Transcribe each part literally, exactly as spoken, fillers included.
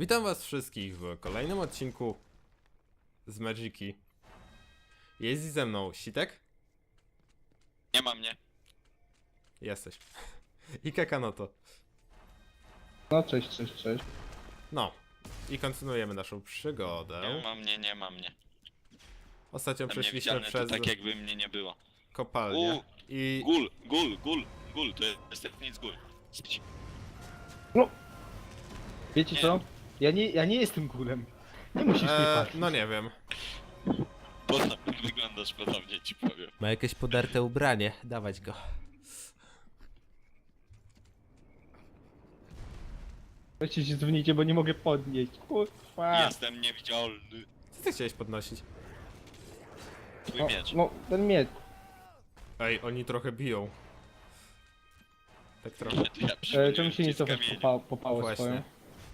Witam was wszystkich w kolejnym odcinku z Magiki. Jest ze mną Sitek? Nie ma mnie. Jesteś. I Kakanoto. No cześć, cześć, cześć. No. I kontynuujemy naszą przygodę. Nie ma mnie, nie ma mnie. Ostatnio Tam przeszliśmy niewidzialny przez to tak jakby mnie nie było. kopalnię. U, I... Gul, gul, gul, gul, to jest nic gul. Wiecie Nie. co? Ja nie, ja nie jestem gulem. Nie musisz mnie E, patrzeć. no nie wiem. Podobnie wyglądasz podobnie, ci powiem. Ma jakieś podarte ubranie. Dawać go. Weźcie się dzwonicie, bo nie mogę podnieść. Kurwa. Jestem niewidzialny. Co ty chciałeś podnosić? Twój No, miecz. no, ten miecz. Ej, oni trochę biją. Tak trochę. To ja E, przypomniałem czemu się nie ci z cofasz kamieni. po, po pałę Właśnie. swoją?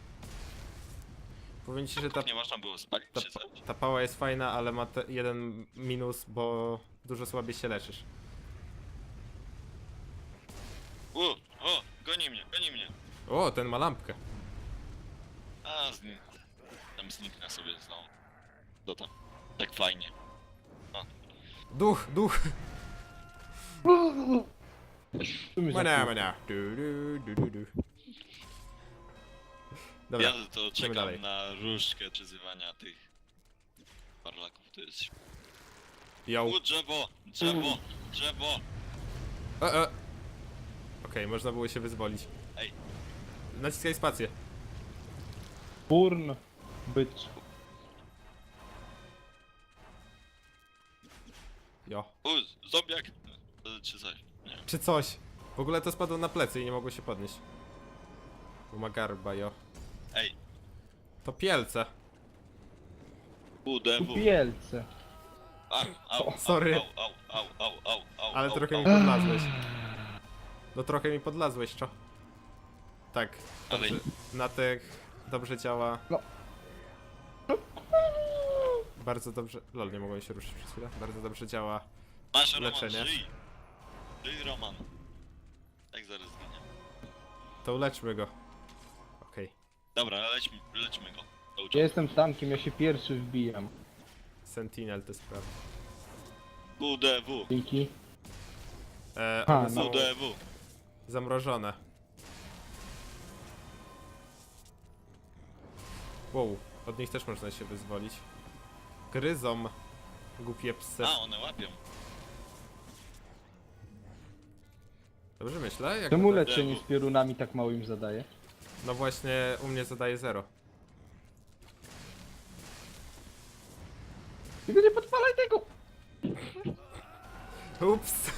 Powiem ci, że ta, Nie można było spalić ta, czy coś? ta pała jest fajna, ale ma te jeden minus, bo dużo słabiej się leczysz. U, o, goni mnie, goni mnie. O, ten ma lampkę. A, z nim. Tam zniknę sobie znowu. Do tam. Tak fajnie. Duch, duch! Tu mi Mania, zapił. mania. Du, du, du, du, du. Dobra, Ja to czekam dalej. na różdżkę przyzywania tych parlaków. To jest... yo. U, drzewo, drzewo, drzewo. E, e. Okej, można było się wyzwolić. Ej. Naciskaj spację. Burn. Bycz. Jo. U, zombiak. Czy coś. Nie. Czy coś. W ogóle to spadło na plecy i nie mogło się podnieść. Bo ma garba, jo. Ej, To pielce. U, D W. Kupielce. Au, au, O, sorry. Au, au, au, au, au, au, Ale au, trochę au. mi podlazłeś. No trochę mi podlazłeś, co? Tak. Ale- Dobrze. Na tych dobrze działa. No. Bardzo dobrze. Lol, nie mogłem się ruszyć przez chwilę. Bardzo dobrze działa. Masz Roman, Leczenie. żyj. Żyj, Roman. Tak zaraz zginie. To uleczmy go. Okej. Dobra, lećmy, lećmy go. To Ja uciekł. jestem tankiem, ja się pierwszy wbijam. Sentinel te sprawy. U, D W. Dzięki. E, A, one no. są U, D W. zamrożone. Wow, od nich też można się wyzwolić. Gryzą. Głupie psy. A, one łapią. Dobrze myślę? Jak Czemu to- leczenie z piorunami tak mało im zadaje? No właśnie, u mnie zadaje zero. Tylko nie podpalaj tego! Ups.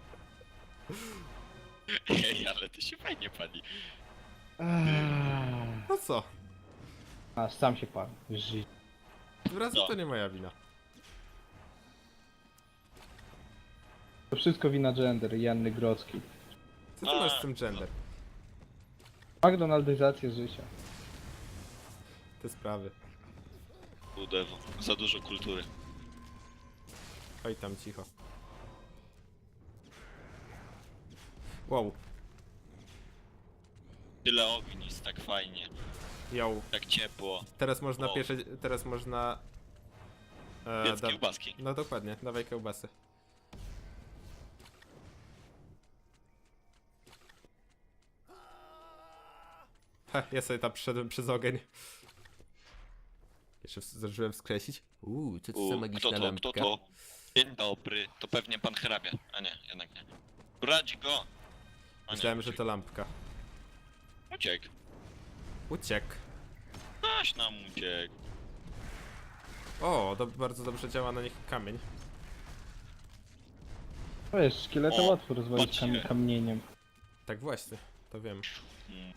Ej, ale to się fajnie pali. Eee. No co? Aż sam się pan. Żyj. Tym razem No. to nie moja wina. To wszystko wina gender i Janny Grodzkiej. Co ty A, masz z tym gender? McDonaldyzacja życia. Te sprawy. U, D W. Za dużo kultury. Oj tam cicho. Wow. Tyle ognisk, tak fajnie. Yo. Tak ciepło. Teraz można O. pierwsze... Teraz można... E, Jedz da- kiełbaski. No dokładnie, dawaj kiełbasy. Ha, ja sobie tam przyszedłem przez ogień. Jeszcze w- zdążyłem wskreślić. Uuu, co to za U, magiczna kto to, lampka. kto to? Dzień dobry. To pewnie pan hrabia. A nie, jednak nie. Radź go! A nie, Myślałem, że uciekł. to lampka. Uciekł. Uciekł. Aś nam uciekł. O, to bardzo dobrze działa na nich kamień. Wiesz, szkieleta O, łatwo rozwalić patrzcie. kam kamieniem. Tak właśnie, to wiem. Mm.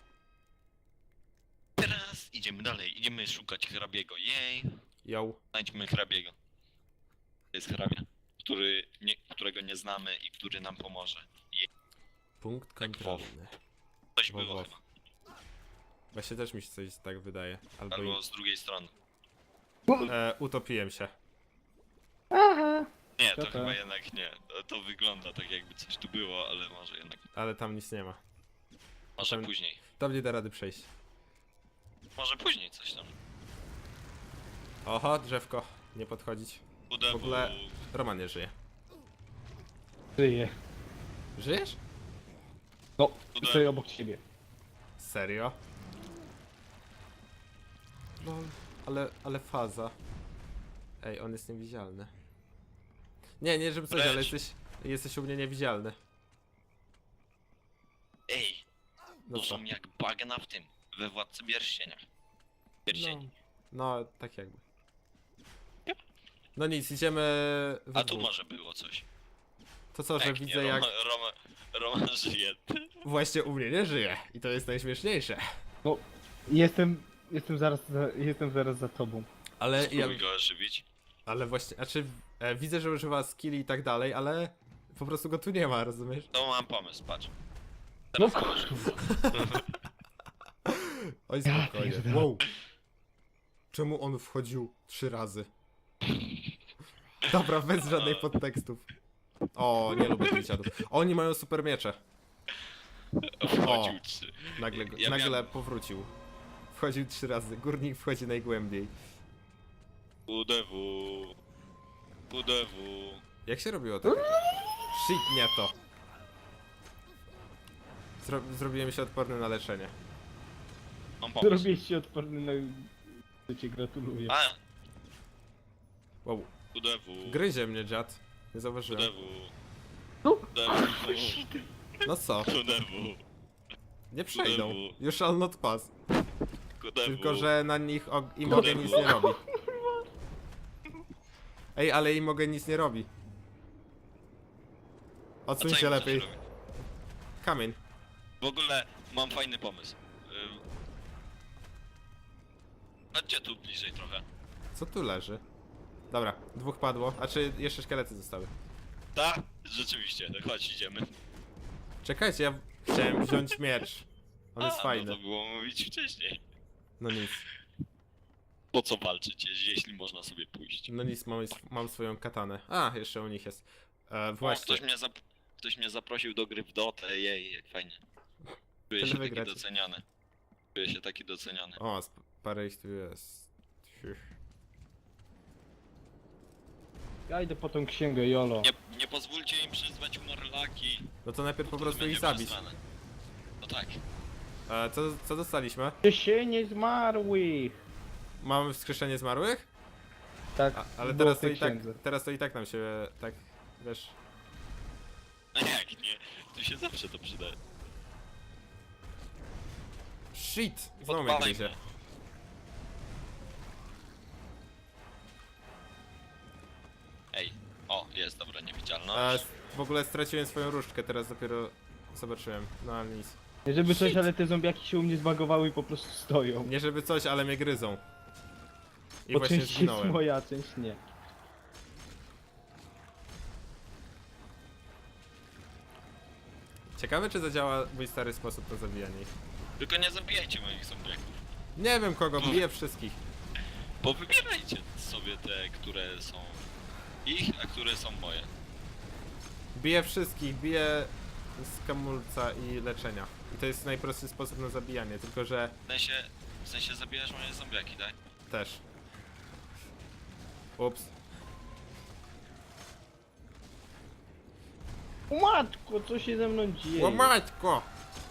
Teraz idziemy dalej. Idziemy szukać hrabiego. Jej. Yo. Znajdźmy hrabiego. To jest hrabia, który nie, którego nie znamy i który nam pomoże. Jej. Punkt Tak, kontrolny. Coś Wow, było wow. chyba. Właśnie też mi się coś tak wydaje. Albo Albo i... z drugiej strony. e, utopiłem się. Aha! Nie, Co to to? chyba jednak nie. To, to wygląda tak jakby coś tu było, ale może jednak. Ale tam nic nie ma. Może Potem- później. To nie da rady przejść. może później coś tam. Oho, drzewko. Nie podchodzić. Udewu. W ogóle Roman nie żyje. Żyję. Żyjesz? No, Udało. stoję obok ciebie. Serio? No, ale, ale faza. Ej, on jest niewidzialny. Nie, nie żeby coś, Lecz. ale jesteś, jesteś u mnie niewidzialny. Ej, No to co? są jak bagna w tym, we Władcy Pierścienia. No, Pierścieni. no, tak jakby. No nic, idziemy w A tu dwóch. może było coś. To co, że Pięknie, widzę jak Roma, Roma, Roman żyje. właśnie u mnie nie żyje. I to jest najśmieszniejsze. No, jestem, jestem zaraz, za, jestem zaraz za tobą. Ale ja, Spróbuj go ożywić. ale właśnie, znaczy e, widzę, że używa skilli i tak dalej, ale po prostu go tu nie ma, rozumiesz? To mam pomysł, patrz. No Teraz kurwa. Oj, Ja spokojnie. pierdolę. Wow. Czemu on wchodził trzy razy? Dobra, bez żadnych podtekstów. O, nie lubię tych dziadów. Oni mają super miecze. wchodził trzy. Nagle, go- Ja nagle miałem- powrócił. Wchodził trzy razy. Górnik wchodzi najgłębiej. Udewu. Udewu. Jak się robiło to? Shit, nie to. Zro zrobiłem się odporny na leczenie. Mam pomysł. Zrobiłeś się odporny na... To cię gratuluję. A, Wow. udewu. Gryzie mnie dziad. Nie zauważyłem. Udewu. No, Udewu. No co? Udewu. Nie przejdą. Kudewu. You shall not pass. Udewu. Tylko, że na nich og- im Kudewu. ogień nic nie robi. Ej, ale im ogień nic nie robi. A Odsuń co się im lepiej. coś robi? Kamień. W ogóle mam fajny pomysł. Ym. A gdzie tu bliżej trochę? Co tu leży? Dobra, dwóch padło. A czy jeszcze szkielety zostały? Tak, rzeczywiście, no chodź idziemy. Czekajcie, ja chciałem wziąć miecz. On jest A, fajny. No to było mówić wcześniej. No nic. Po co walczyć, jeśli można sobie pójść? No nic, mam, mam swoją katanę. A, jeszcze u nich jest. E, O, właśnie. ktoś mnie, zap ktoś mnie zaprosił do gry w Dotę, jej, jak fajnie. Czuję Tyle się taki wygrać. doceniany. Czuję się taki doceniany. O, sp- parę ich tu jest. Ciu. Ja idę po tą księgę, jolo. Nie, nie pozwólcie im przyzwać Morlaki. No to najpierw po to prostu będzie ich zabić. przesrane. No tak. E, co, co dostaliśmy? Ciesienie zmarłych! Mamy wskrzeszenie zmarłych? Tak, A, ale było teraz w to tej i tak, księdze. teraz to i tak nam się, tak, wiesz... No jak nie? Tu się zawsze to przyda. Shit! Znowu mnie Podpalaj gryzie. mnie. Ej, o, jest, dobra, E, niewidzialność. s- w ogóle straciłem swoją różdżkę, teraz dopiero zobaczyłem. No ale nic. Nie żeby coś, Shit. ale te zombiaki się u mnie zbagowały i po prostu stoją. Nie żeby coś, ale mnie gryzą. I Bo właśnie część jest zginąłem. moja, część nie. Ciekawe czy zadziała mój stary sposób na zabijanie ich. Tylko nie zabijajcie moich zombiaków. Nie wiem kogo, biję wszystkich. Bo wybierajcie sobie te, które są ich, a które są moje. Biję wszystkich, biję z kamulca i leczenia. I to jest najprostszy sposób na zabijanie, tylko że W sensie, w sensie zabijasz moje zombiaki, tak? też. Ups. O matko, co się ze mną dzieje? O matko!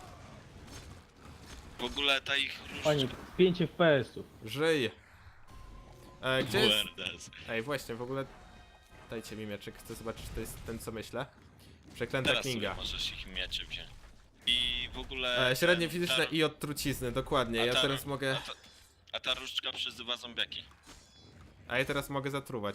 W ogóle ta ich Panie, różdżka. pięć F P S-ów. Żyj! E, gdzie jest... W R D S. Ej, właśnie, w ogóle... Dajcie mi mieczyk, chcę zobaczyć, czy to jest ten, co myślę. Przeklęta Teraz sobie Kinga. możesz ich miecze wziąć. I w ogóle... E, średnie ten- fizyczne ta- i od trucizny, dokładnie. a Ja ta- teraz mogę... A ta, a ta różdżka przyzywa zombiaki. A ja teraz mogę zatruwać.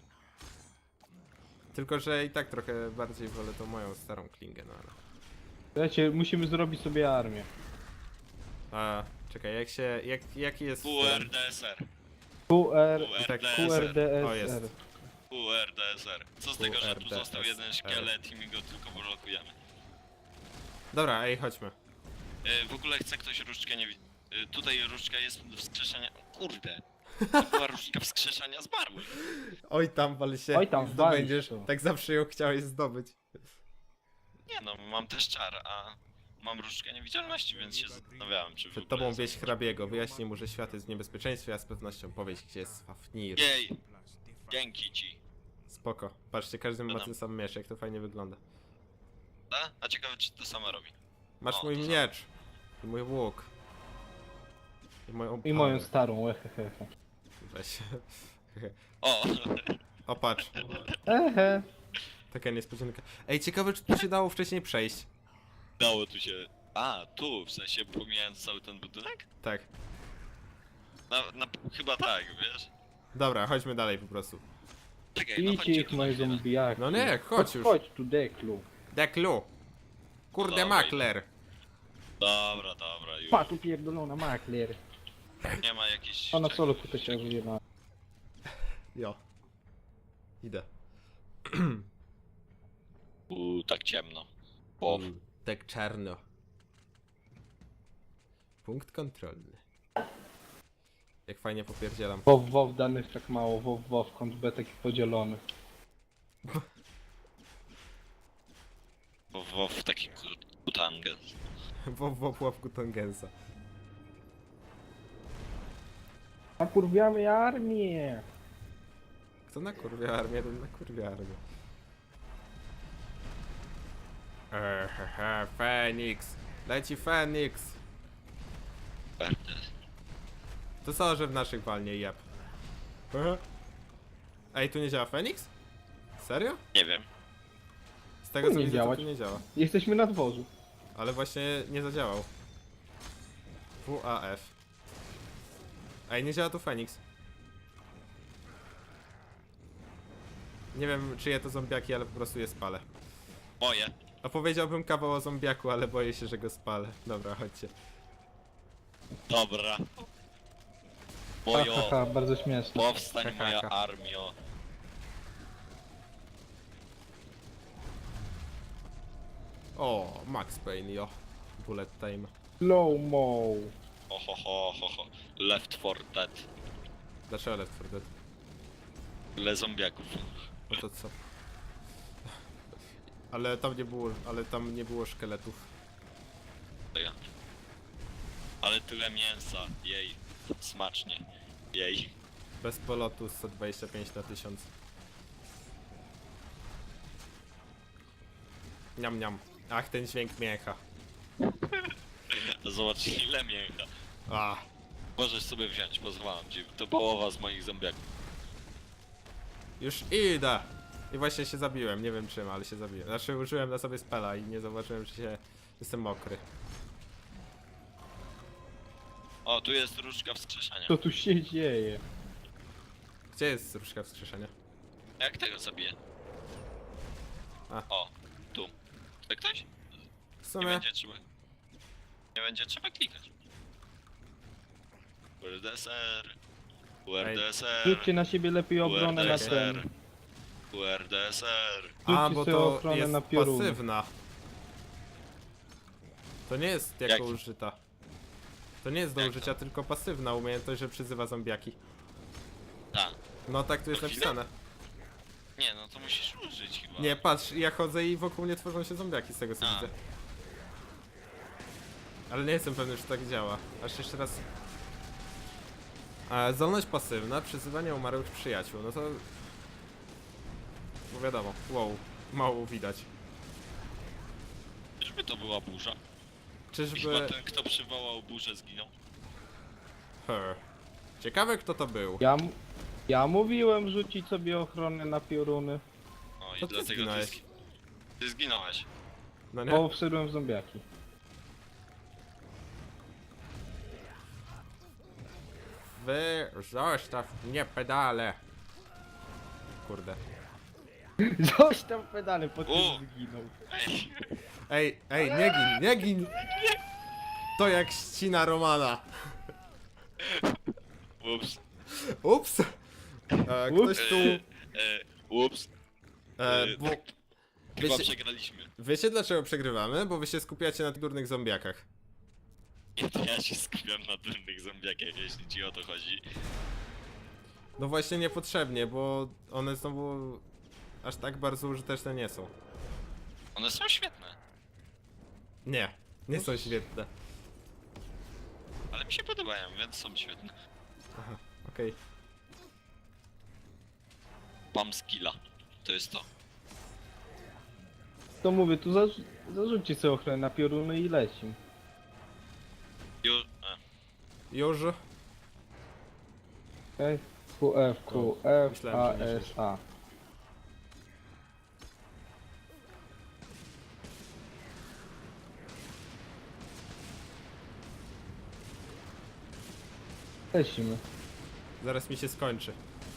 Tylko, że i tak trochę bardziej wolę tą moją starą klingę, no ale... Słuchajcie, musimy zrobić sobie armię. A, czekaj, jak się... Jak, jaki jest... W R D S R. Q R... tak, Q R D O, jest. S R. W R D S R. Co z tego, że tu W R D S R. został jeden szkielet i my go tylko blokujemy. Dobra, ej, chodźmy. E, w ogóle chce ktoś różdżkę nie widzi. E, tutaj różdżka jest do wskrzeszenia. Kurde. To była różdżka wskrzeszania zmarłych. Oj tam, wal się. Oj tam, zdobędziesz. walisz to. Tak zawsze ją chciałeś zdobyć. Nie no, mam też czar, a mam różdżkę niewidzialności, więc się zastanawiałem, czy w Przed ogóle tobą wieś zobaczę. hrabiego. Wyjaśnij mu, że świat jest w niebezpieczeństwie, a z pewnością powiedz, gdzie jest Fafnir. Jej! Dzięki ci. Spoko. Patrzcie, każdy ma Dodam. ten sam miecz, jak to fajnie wygląda. A? A ciekawe, czy to samo robi. Masz O, mój to samo. miecz. I mój łuk. I moją I moją pałę. starą, ehehe. Weź. O! O, patrz. Ehe. Taka niespodzianka. Ej, ciekawe, czy tu się dało wcześniej przejść. Dało tu się... A, tu, w sensie pomijając cały ten budynek? Tak. Na, na, chyba tak, wiesz? Dobra, chodźmy dalej po prostu. Czekaj, no Idźcie chodźcie ich tu moje na chwilę. zombiaki. No nie, chodź już. Chodź tu, Deklu. Deklu. Kurde, Dobra, makler. Dobra, dobra, już. Pa, tu pierdolona makler. Nie ma jakichś... Ona solo tutaj się wyjeba. Jo. Idę. Uuu, tak ciemno. O, Mm, tak czarno. Punkt kontrolny. Jak fajnie popierdzielam. WoW, WoW danych tak mało, WoW, WoW, kąt B taki podzielony. bo, bo w taki kutangę. W w łapku Tongensa. Nakurwiamy armię! Kto nakurwia armię, ten nakurwia armię. Ehehe, Feniks. Leci Feniks. Pewnie. To co, że w naszych walnie jeb. Ehe. Ej, tu nie działa Feniks? Serio? Nie wiem. Z tego co Nie widzę, to działać. tu nie działa. Jesteśmy na dworzu. Ale właśnie nie zadziałał. W A F. Ej, nie działa tu Feniks. Nie wiem, czyje to zombiaki, ale po prostu je spalę. Moje. Opowiedziałbym kawał o zombiaku, ale boję się, że go spalę. Dobra, chodźcie. Dobra. Ha, Mojo. ha, ha, bardzo śmieszne. Powstań moja armio. O, Max Payne, jo. Bullet time. Slow mo. Ho, ho, ho, ho, ho. Left four Dead. Dlaczego Left four Dead? Ile zombiaków. No to co? Ale tam nie było, ale tam nie było szkieletów. To ja. Ale tyle mięsa. Jej. Smacznie. Jej. Bez polotu sto dwadzieścia pięć na tysiąc. Niam niam. Ach, ten dźwięk mięcha. Zobacz ile mięcha. A, Możesz sobie wziąć, pozwalam ci. To połowa z moich zombiaków. już idę! I właśnie się zabiłem, nie wiem czym, ale się zabiłem. Znaczy użyłem na sobie spela i nie zauważyłem, że się... jestem mokry. O, tu jest różdżka wskrzeszania. Co tu się dzieje? Gdzie jest różdżka wskrzeszenia? Jak tego zabiję? A. O, tu. Chce ktoś? W Nie sumie... będzie trzeba. Nie będzie trzeba klikać. U R D S R. U R D S R. Rzućcie na siebie lepiej obronę na ten. U R D S R. A, Rzućcie bo sobie to ochronę jest na pioruny. pasywna. To nie jest jako Jak? użyta. To nie jest do Jak użycia, tylko pasywna umiejętność, że przyzywa zombiaki. Tak. No tak tu jest To chwilę? napisane. Nie, no to musisz użyć chyba. Nie, patrz, ja chodzę i wokół mnie tworzą się zombiaki z tego co A. widzę. Ale nie jestem pewny, czy tak działa. Aż jeszcze raz. E, zdolność pasywna, przyzywanie umarłych przyjaciół. No to... No wiadomo, wow, mało widać. Czyżby to była burza? I Czyżby... chyba ten, kto przywołał burzę, zginął. Her. Ciekawe kto to był. Ja, m- ja mówiłem rzucić sobie ochronę na pioruny. No i To ty dlatego ty, zginąłeś. zgi- ty zginąłeś. No nie? Bo wszedłem w zombiaki. Wy zostaw mnie pedale. Kurde. Został pedale, po U. tym zginął. Ej, Ej, ej, nie gin, nie gin! To jak ścina Romana. ups. Ups! E, ktoś tu... E, e, ups. E, E, bo... tak, chyba Wiecie, przegraliśmy. wiecie dlaczego przegrywamy? Bo wy się skupiacie na tych durnych zombiakach. Nie, to ja się skupiam na durnych zombiakach, jeśli ci o to chodzi. No właśnie niepotrzebnie, bo one znowu aż tak bardzo użyteczne nie są. One są świetne. Nie. Nie są świetne. Ale mi się podobają, więc są świetne. Aha, okej. Pam skilla. To jest to. To mówię, tu zarzu zarzućcie sobie ochronę na pioruny i lecim. Ju... E. Już? Okej? Q F, Q F, Myślałem, A, że nie S, A. Lecimy. Zaraz mi się skończy.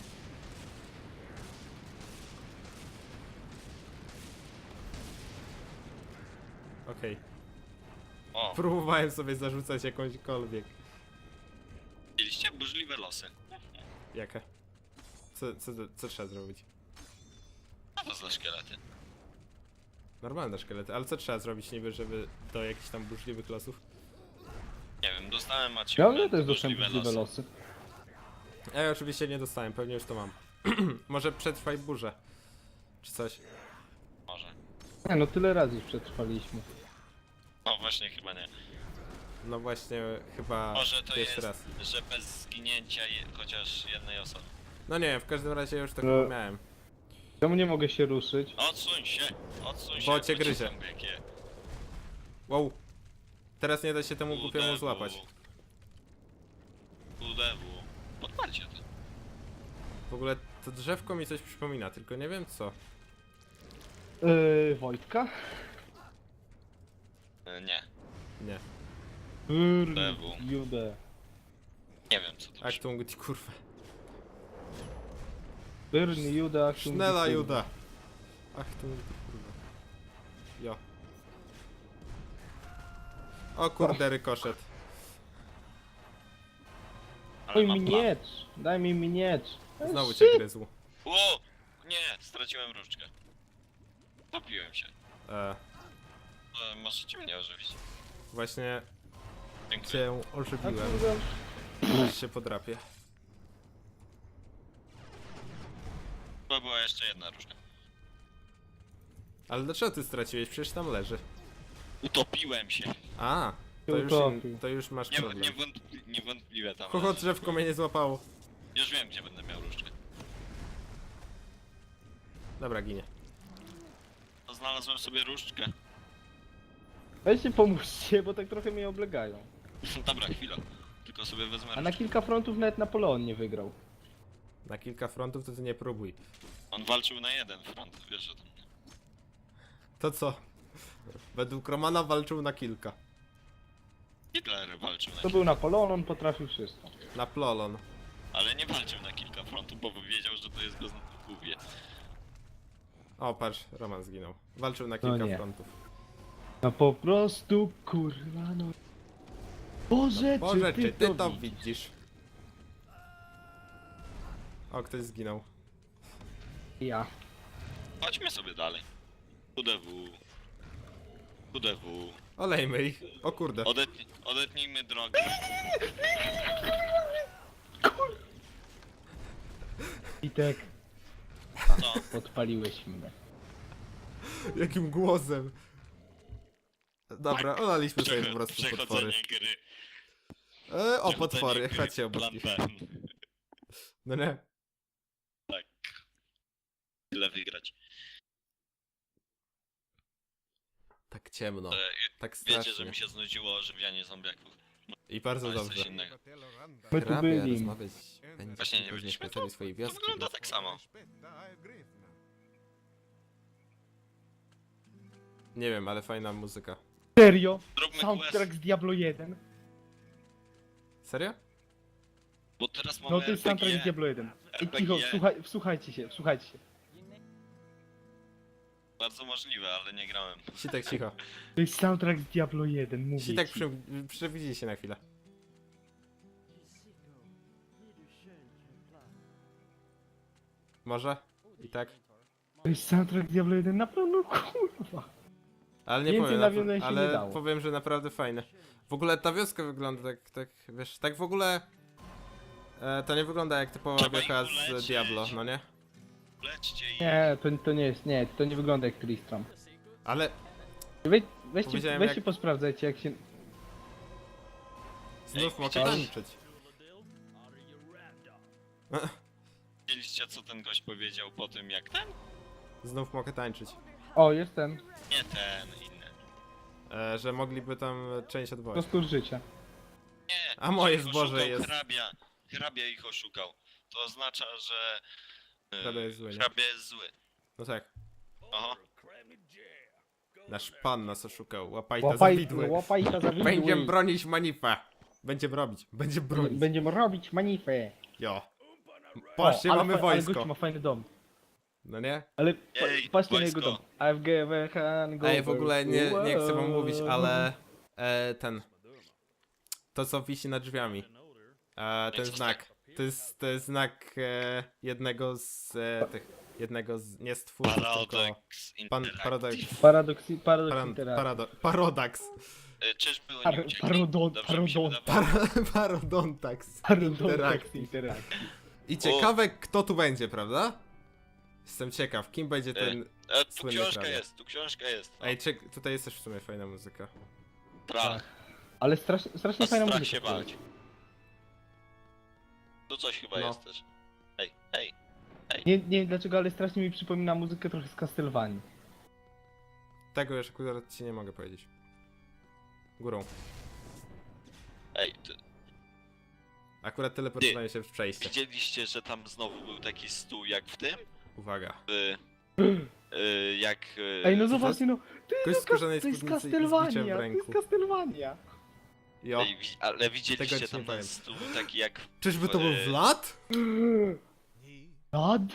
Okej. O, Próbowałem sobie zarzucać jakąśkolwiek. widzieliście? Burzliwe losy. Jaka? Co, co, co trzeba zrobić? Co to za szkielety? Normalne szkielety, ale co trzeba zrobić niby, żeby do jakichś tam burzliwych losów? Nie wiem, dostałem Ja achievement, mnie też burzliwe dostałem możliwe losy. losy. Ja oczywiście nie dostałem, pewnie już to mam. Może przetrwaj burzę. Czy coś. Może. Nie no, tyle razy już przetrwaliśmy. No właśnie, chyba nie. No właśnie, chyba Może to pierwszy jest, raz. że bez zginięcia je, chociaż jednej osoby. No nie, w każdym razie już tak No. miałem. Czemu nie mogę się ruszyć? Odsuń się! Odsuń się! Bo cię gryzie. tam wielkie. Wow. Teraz nie da się temu głupiemu U D W. złapać. U D W. Podparcie to. W ogóle to drzewko mi coś przypomina, tylko nie wiem co. Yy, Wojtka? E, Nie. Nie. Brrr, Jude. Nie wiem co to Achtung, ty kurwa. Brrr, Jude, Achtung, Sznela kurwa. Juda. Achtung, ty kurwa. Jo. O kurde, rykoszet. Ale Daj mam mi plan. miecz, daj mi miecz. Znowu cię gryzł. O! Nie! Straciłem różdżkę. Topiłem się. E, E, możecie mnie ożywić. właśnie Dziękuję. cię A ożywiłem. kurwa, Aż się podrapię. To była jeszcze jedna różdżka. Ale dlaczego ty straciłeś? Przecież tam leży. Utopiłem się. A, to już, Utopił. to już masz Nie, problem. niewątpli, niewątpliwie tam. Kogo drzewko mnie nie złapało. Już wiem, gdzie będę miał różdżkę. Dobra, ginie. To znalazłem sobie różdżkę. weźcie pomóżcie, bo tak trochę mnie oblegają. Dobra, chwila. Tylko sobie wezmę A na różdżkę. kilka frontów nawet Napoleon nie wygrał. Na kilka frontów to ty nie próbuj. On walczył na jeden front, wiesz o tym. To co? Według Romana walczył na kilka. Hitler walczył na To kilka, był Napoleon, on potrafił wszystko. Na plolon. ale nie walczył na kilka frontów, bo wiedział, że to jest go zgubię. O, patrz, Roman zginął. Walczył na No kilka nie. frontów. No po prostu, kurwa no. Boże, Boże, czy czy ty to widzisz? widzisz? O, ktoś zginął. Ja. Chodźmy sobie dalej. U D W. U D W. Olejmy ich. O kurde. Odetnij, odetnijmy drogę. Witek, Co? podpaliłeś mnie. Jakim głosem. Dobra, olaliśmy sobie po prostu potwory. Przechodzenie gry. E, o, Przechodzenie potwory, gry, chodźcie obok plan nich. B. No nie. Tak. Tyle wygrać. Tak ciemno. E, Tak Wiecie, że strasznie. mi się znudziło ożywianie zombiaków. I bardzo To jest coś dobrze. innego. My tu Hrabia byli. rozmawiać będzie Właśnie nie tylko z byliśmy mieszkańcami tu. swojej To wioski. wygląda tak samo. Nie wiem, ale fajna muzyka. Serio? Zróbmy Soundtrack quest, z Diablo jeden. Serio? bo teraz mamy No to jest soundtrack z R P G. Diablo jeden. Ej, R P G. cicho, słuchaj, wsłuchajcie się, wsłuchajcie się. Bardzo możliwe, ale nie grałem. Sitek, cicho. To jest soundtrack z Diablo jeden, mówię Sitek, ci. przy, przewidzi się na chwilę. Może? I tak? To jest soundtrack z Diablo jeden, naprawdę, no kurwa. Ale nie Więcej powiem, nawiązań napra- się nie ale dało. powiem, że naprawdę fajne. W ogóle ta wioska wygląda tak, tak, wiesz, tak w ogóle... E, to nie wygląda jak typowa Trzeba wiocha ich z uleczyć. Diablo, no nie? Leczcie i... Nie, to, to nie jest, nie, to nie wygląda jak Tristram. Ale Wy, weźcie, Powiedziałem, weźcie jak- posprawdzajcie jak się... Znów Ej, mogę widziałeś? tańczyć. Widzieliście, co ten gość powiedział po tym, jak ten? Znów mogę tańczyć. O, jest ten. Nie ten, inny. E, że mogliby tam część odwołać. Kostur życia. Nie, A moje że ich zboże oszukał jest- Hrabia, hrabia ich oszukał. To oznacza, że... e, Hrabia jest zły, nie? Hrabia jest zły. No tak. Aha. Nasz pan nas oszukał. Łapaj to za Łapaj, widły. łapaj to za widły. Będziemy bronić manifę. Będziemy robić. Będziemy bronić. Będziemy robić manifę. Jo. O, Patrzcie, ale mamy fa- Ale wojsko. gość ma fajny dom. No nie? Ale pa, Ej, patrzcie na wojsko. jego dom. I've given hand Ej, w ogóle nie, nie chcę wam over. mówić, ale e, ten. To co wisi nad drzwiami. E, ten co znak. To jest, to jest znak e, jednego z e, tych. Jednego z. Nie z twórców, tylko. Paradox Pan Interactive. Paradox. Paradoks, paradoks Paran, interakcji. parado, parodax. E, Czyżby oni Par- uciekli? parodon- Dobrze mi się parodon- wydawało. Par, parodontax. Paradoks Interakcji. interakcji. I ciekawe kto tu będzie, prawda? Jestem ciekaw, kim będzie ten. E, tu Słynny książka hrabia. jest, tu książka jest. No. Ej, czek, tutaj jest też w sumie fajna muzyka. Strach. Ale strasznie, strasznie A fajna strach muzyka. się bać. Tu coś chyba No. jest też. Ej, ej. Nie, nie wiem dlaczego, ale strasznie mi przypomina muzykę trochę z Castlevanii. Tego już akurat ci nie mogę powiedzieć. Górą. Ej, ty, Akurat teleportowanie się w przejście. widzieliście, że tam znowu był taki stół jak w tym? Uwaga. Y, y, jak... Y, Ej, no to zobaczcie, no, ty, Gość no, w skórzanej to jest spódnicy i z Castlevania, biczem w to ręku. jest Castlevania. Jo. Ej, wi- ale Tego widzieliście ci nie tam ten powiem. stół taki jak... Czyżby to był e, Vlad? Nad?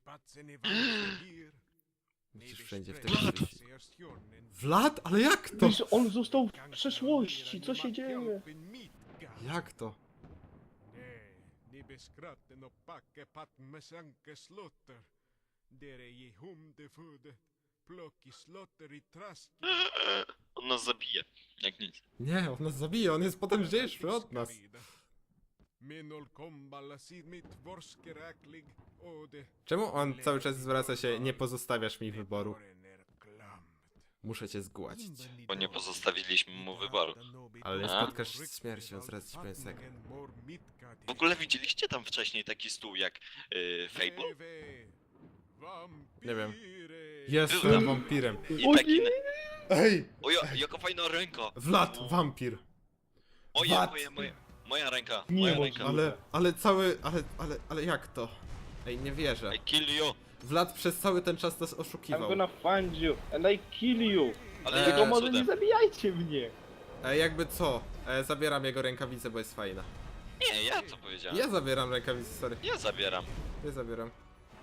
Musisz wszędzie w tego wisi. Vlad? Ale jak to? Wiesz, on został w przeszłości, co się dzieje? Jak to? Ni beskratten och packe patten sanke slotter. Dere je hum de fude. Plocki slotter i trast. On nas zabije, jak nic. Nie, on nas zabije, on jest potężniejszy od nas. Minol komballa sid mitt vorskeräklig ode. Czemu on cały czas zwraca się, nie pozostawiasz mi wyboru? Muszę cię zgładzić. Bo nie pozostawiliśmy mu wyboru. Ale nie A? spotkasz się z śmiercią, zaraz ci powiem sekret. W ogóle widzieliście tam wcześniej taki stół jak y, Fable? Nie wiem. Jest Byłem. wampirem. I O taki... nie! Ej! O, ja, jaka fajna ręka! Vlad, wampir. Moja, Vlad. moja, moja, moja ręka, Nie moja może. ręka. Ale, ale cały, ale, ale, ale jak to? Ej, nie wierzę. I kill you! Vlad przez cały ten czas nas I'm oszukiwał. gonna find you and I kill you. Ale Eee, Tylko jakim może nie cudem? zabijajcie mnie. E, jakby co? E, zabieram jego rękawicę, bo jest fajna. Nie, ja to powiedziałem. Ja zabieram rękawicę, sorry. Ja zabieram. Ja zabieram.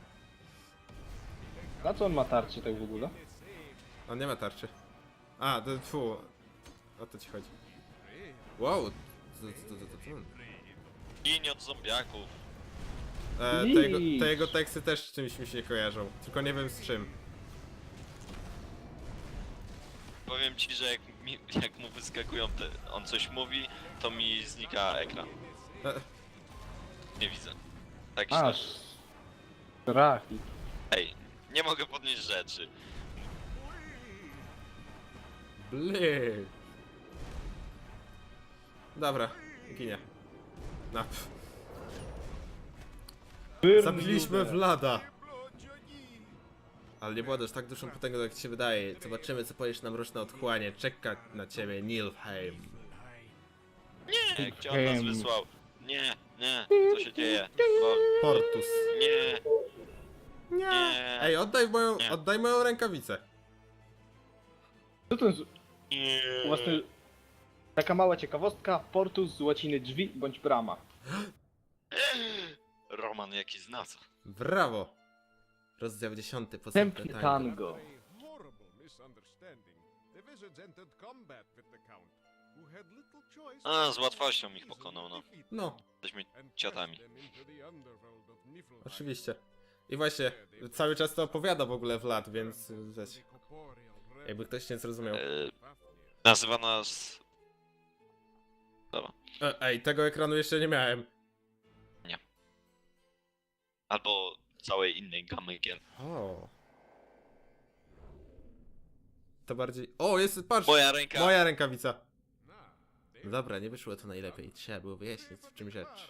Na co on ma tarczy tak w ogóle? On nie ma tarczy. A, to fu. O to ci chodzi. Wow. To, to, to, to, to. Ginie od zombiaków. E, te, jego, Licz. te jego teksty też z czymś mi się kojarzą. Tylko nie wiem z czym. Powiem ci, że jak, mi, jak mu wyskakują te, on coś mówi, to mi znika ekran. E, Nie widzę. Tak źle. Aż. Trafi. Ej, nie mogę podnieść rzeczy. Bly. Dobra, ginie. No. pff. Zabiliśmy Vlada. Ale nie była tak dużą potęgą, jak ci się wydaje. Zobaczymy, co powiesz na mroczne otchłanie. Czeka na ciebie Nilfheim. Nie, gdzie on nas Em. wysłał? Nie, nie, co się dzieje? Bo, Portus. nie, Nie. nie, Ej, oddaj moją, Nie. oddaj moją rękawicę. Co to jest? nie. Własny... Taka mała ciekawostka. Portus z łaciny drzwi bądź brama. Roman jaki zna co? Brawo. Rozdział dziesiąty. Posępne Tempny tango. tango. Horrible misunderstanding. The wizards entered combat with the count, who had little choice. A, z łatwością ich pokonał, no. No, Jesteśmy and ciotami. them into the underworld of Niflheim. oczywiście. I właśnie, cały czas to opowiada w ogóle Vlad, więc wiesz, jakby ktoś nie zrozumiał. E, nazywa nas... Dobra. E, Ej, tego ekranu jeszcze nie miałem. Albo całej innej gamy gier. O. To bardziej... O, jest, patrz! Moja ręka. Moja rękawica. No dobra, nie wyszło to najlepiej. Trzeba było wyjaśnić, w czym rzecz.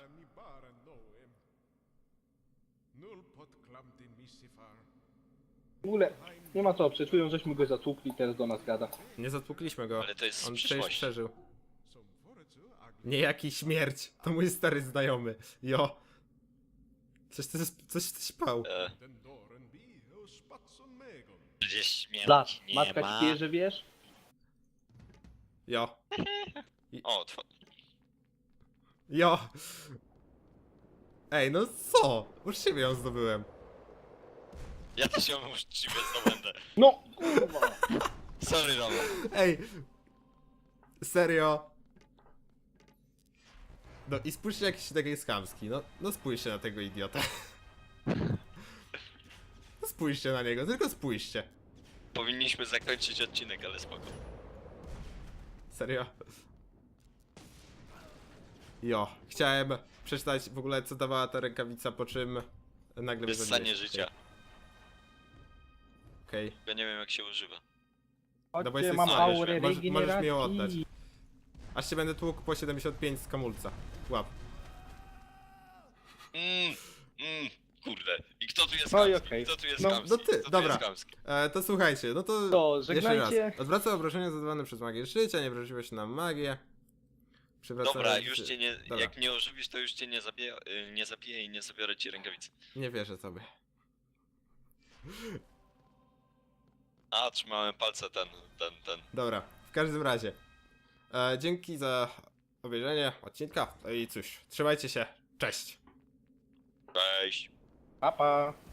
W ogóle nie ma co, przeczują, żeśmy go zatłukli, teraz do nas gada. Nie zatłukliśmy go. Ale to jest z On przecież przyszłości. przeżył. Niejaki śmierć. To mój stary znajomy. Jo. Coś ty, coś ty śpał. E, gdzieś śmierć Blat, nie matka ma. ci pije, że wiesz? Jo. O, tw- Jo. Ej, no co? Uczciwie ją zdobyłem. ja też ją uczciwie zdobędę. No, kurwa! Sorry, Roman. Ej. Serio. No i spójrzcie jakiś taki jest chamski. No, no spójrzcie na tego idiotę. No spójrzcie na niego, tylko spójrzcie. Powinniśmy zakończyć odcinek, ale spoko. Serio. Jo, chciałem przeczytać w ogóle co dawała ta rękawica, po czym nagle Wyssanie wyzwoliłeś. życia. Okej. Ja nie wiem jak się używa. No bo Chodźcie, jesteś mam stary, aurę możesz- możesz mi ją regeneracji. oddać. Aż cię będę tłukł po siedemdziesiąt pięć z kamulca. Łap. Mmm, mmm, kurde. I kto tu jest No i chamski? okej. Kto tu jest No, chamski? no ty, Kto tu dobra. jest chamski? E, to słuchajcie, no to, To jeszcze żegnajcie. raz. Odwraca obrażenia zadawane przez magię życia, nie wrażliwe się na magię. Przywraca Dobra, już cię nie... Dobra. Jak nie ożywisz, to już cię nie zabiję, y, nie zabiję i nie zabiorę ci rękawicy. Nie wierzę sobie. A, trzymałem palce ten, ten, ten. Dobra, w każdym razie. E, dzięki za obejrzenie odcinka. No i cóż, trzymajcie się. Cześć. Cześć. Pa, pa.